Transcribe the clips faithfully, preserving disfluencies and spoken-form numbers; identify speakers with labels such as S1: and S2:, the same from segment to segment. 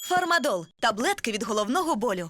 S1: Фармадол – таблетки від головного болю.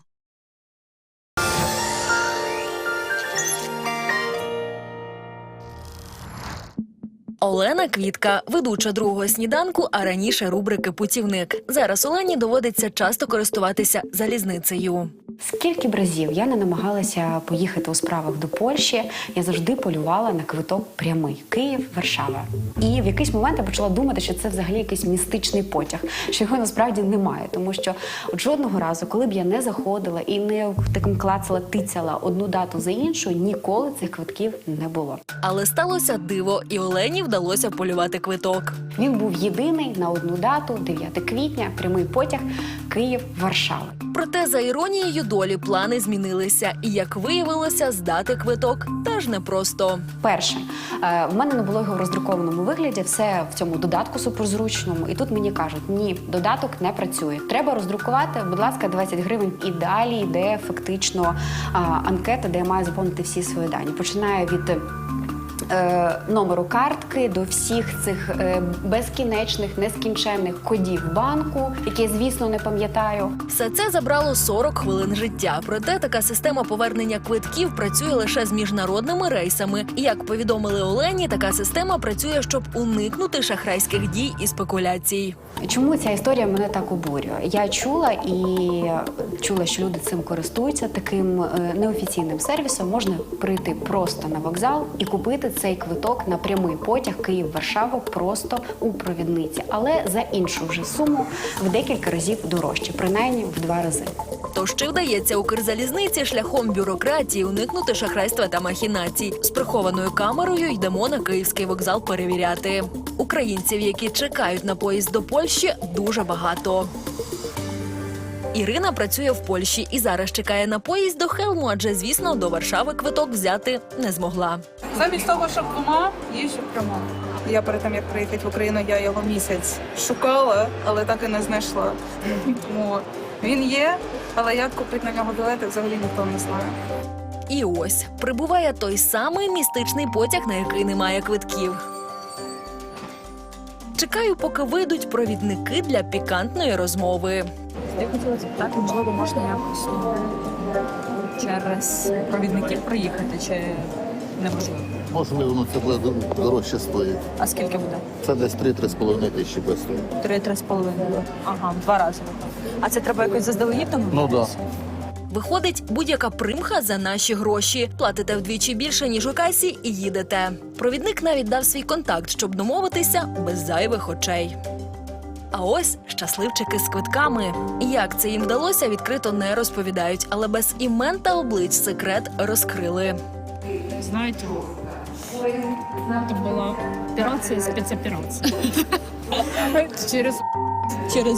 S2: Олена Квітка – ведуча другого сніданку, а раніше рубрики «Путівник». Зараз Олені доводиться часто користуватися залізницею.
S3: Скільки б разів я не намагалася поїхати у справах до Польщі, я завжди полювала на квиток прямий – Київ-Варшава. І в якийсь момент я почала думати, що це взагалі якийсь містичний потяг, що його насправді немає. Тому що от жодного разу, коли б я не заходила і не таким клацала, тицяла одну дату за іншу, ніколи цих квитків не було.
S2: Але сталося диво, і Олені вдалося полювати квиток.
S3: Він був єдиний на одну дату – дев'яте квітня, прямий потяг Київ-Варшава.
S2: Проте, за іронією долі, плани змінилися. І, як виявилося, здати квиток теж непросто.
S3: Перше, е, в мене не було його в роздрукованому вигляді, все в цьому додатку суперзручному. І тут мені кажуть, ні, додаток не працює. Треба роздрукувати, будь ласка, двадцять гривень. І далі йде фактично а, анкета, де я маю заповнити всі свої дані. Починає від Е, номеру картки до всіх цих е, безкінечних, нескінченних кодів банку, які я, звісно, не пам'ятаю.
S2: Все це забрало сорок хвилин життя. Проте така система повернення квитків працює лише з міжнародними рейсами. І, як повідомили Олені, така система працює, щоб уникнути шахрайських дій і спекуляцій.
S3: Чому ця історія мене так обурює? Я чула і чула, що люди цим користуються. Таким е, неофіційним сервісом можна прийти просто на вокзал і купити цей квиток на прямий потяг Київ-Варшава просто у провідниці. Але за іншу вже суму в декілька разів дорожче, принаймні в два рази.
S2: Тож чи вдається Укрзалізниці шляхом бюрократії уникнути шахрайства та махінацій? З прихованою камерою йдемо на київський вокзал перевіряти. Українців, які чекають на поїзд до Польщі, дуже багато. Ірина працює в Польщі і зараз чекає на поїзд до Хелму, адже, звісно, до Варшави квиток взяти не змогла.
S4: Замість того, щоб двома, їжджу прямо. Я перед тим, як приїхати в Україну, я його місяць шукала, але так і не знайшла. Тому він є, але як купити на нього білети, взагалі ніхто не знає.
S2: І ось, прибуває той самий містичний потяг, на який немає квитків. Чекаю, поки вийдуть провідники для пікантної розмови.
S5: Я хотіла запитати, можливо, можна якось через провідників приїхати, чи неможливо?
S6: Можливо, ну це буде дорожче стоїть.
S5: А скільки буде?
S6: Це десь три-три з половиною тисячі без того.
S5: Три-три з половиною. Ага, в два рази. А це треба якось заздалегідь домовитися?
S6: Ну,
S2: Виходить, будь-яка примха за наші гроші. Платите вдвічі більше, ніж у касі, і їдете. Провідник навіть дав свій контакт, щоб домовитися без зайвих очей. А ось щасливчики з квитками. Як це їм вдалося, відкрито не розповідають, але без імен та облич секрет розкрили.
S7: Знаете, это была операция, спецоперация. Через... Через...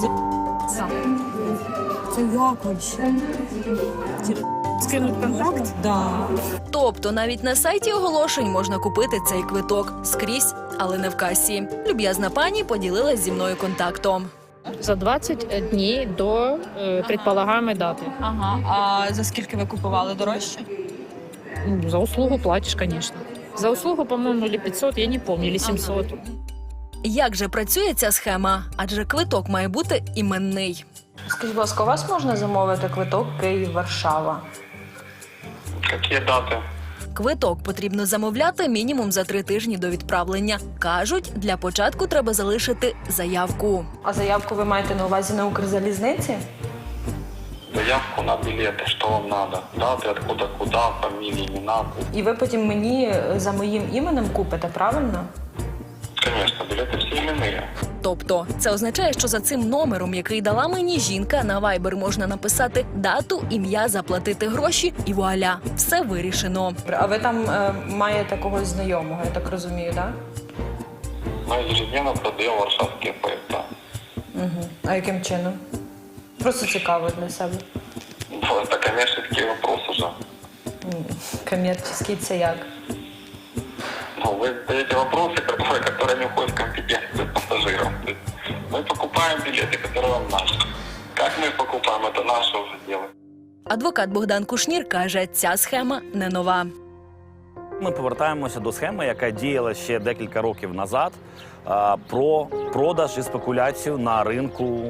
S7: Це як вообще? Скинуть контакт? Да.
S2: Тобто навіть на сайті оголошень можна купити цей квиток скрізь, але не в касі. Люб'язна пані поділилась зі мною контактом.
S7: За двадцять днів до е, предполагаемой дати.
S5: Ага, а за скільки ви купували дорожче?
S7: Ну, за услугу платишь, конечно. За услугу, по-моему, или пятьсот, я не помню, или семьсот.
S2: Як же працює ця схема? Адже квиток має бути іменний.
S5: Скажіть, будь ласка, у вас можна замовити квиток Київ-Варшава?
S8: Какие даты?
S2: Квиток потрібно замовляти мінімум за три тижні до відправлення. Кажуть, для початку треба залишити заявку.
S5: А заявку ви маєте на увазі на Укрзалізниці?
S8: Заявку на билеты, что вам надо? Даты, откуда, куда, фамилии, имена.
S5: І ви потім мені за моїм іменем купите, правильно?
S8: Конечно, билеты все именные.
S2: Тобто, це означає, що за цим номером, який дала мені жінка, на Viber можна написати дату, ім'я, заплатити гроші і вуаля, все вирішено.
S5: А ви там е, маєте когось знайомого, я так розумію, так?
S8: Мы ежедневно продаем варшавские поезда.
S5: Угу. А яким чином? Просто цікаво для себе.
S8: Ну, это коммерческий вопрос уже.
S5: М, Комерційний це як?
S8: Ну, вы задаете вопросы, которые, которые не входят в компетенцию пассажиров. То есть мы покупаем билеты, которые вам надо. Как мы их покупаем, это наше уже дело.
S2: Адвокат Богдан Кушнір каже, ця схема не нова.
S9: Ми повертаємося до схеми, яка діяла ще декілька років назад, про продаж і спекуляцію на ринку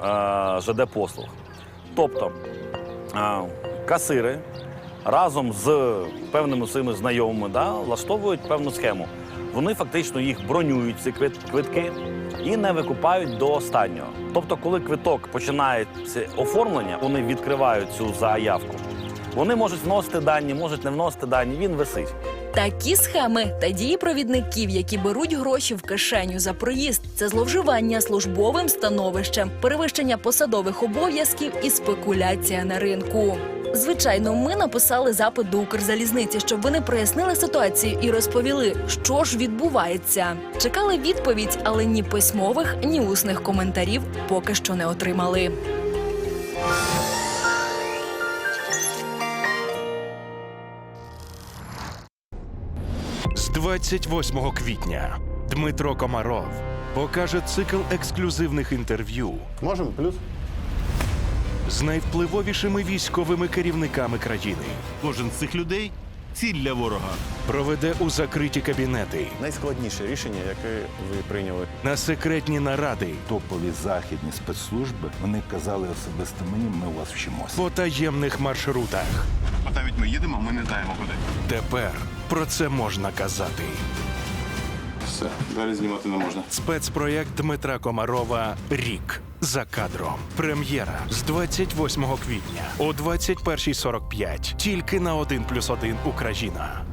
S9: е, ЖД послуг. Тобто е, касири разом з певними своїми знайомими да, влаштовують певну схему. Вони фактично їх бронюють, ці квит- квитки, і не викупають до останнього. Тобто, коли квиток починає це оформлення, вони відкривають цю заявку. Вони можуть вносити дані, можуть не вносити дані, він висить.
S2: Такі схеми та дії провідників, які беруть гроші в кишеню за проїзд, це зловживання службовим становищем, перевищення посадових обов'язків і спекуляція на ринку. Звичайно, ми написали запит до Укрзалізниці, щоб вони прояснили ситуацію і розповіли, що ж відбувається. Чекали відповідь, але ні письмових, ні усних коментарів поки що не отримали.
S10: З двадцять восьмого квітня Дмитро Комаров покаже цикл ексклюзивних інтерв'ю
S6: Можемо? Плюс?
S10: з найвпливовішими військовими керівниками країни.
S11: Кожен з цих людей ціль для ворога.
S10: Проведе у закриті кабінети,
S11: Найскладніше рішення, яке ви прийняли.
S10: на секретні наради,
S12: Топові західні спецслужби, вони казали особисто мені, ми у вас вчимося.
S10: по таємних маршрутах.
S11: А навіть ми їдемо, ми не знаємо куди.
S10: Тепер про це можна казати.
S11: Все, далі знімати не можна.
S10: Спецпроєкт Дмитра Комарова «Рік за кадром». Прем'єра з двадцять восьмого квітня о двадцять першій сорок п'ять. Тільки на один плюс один Україна.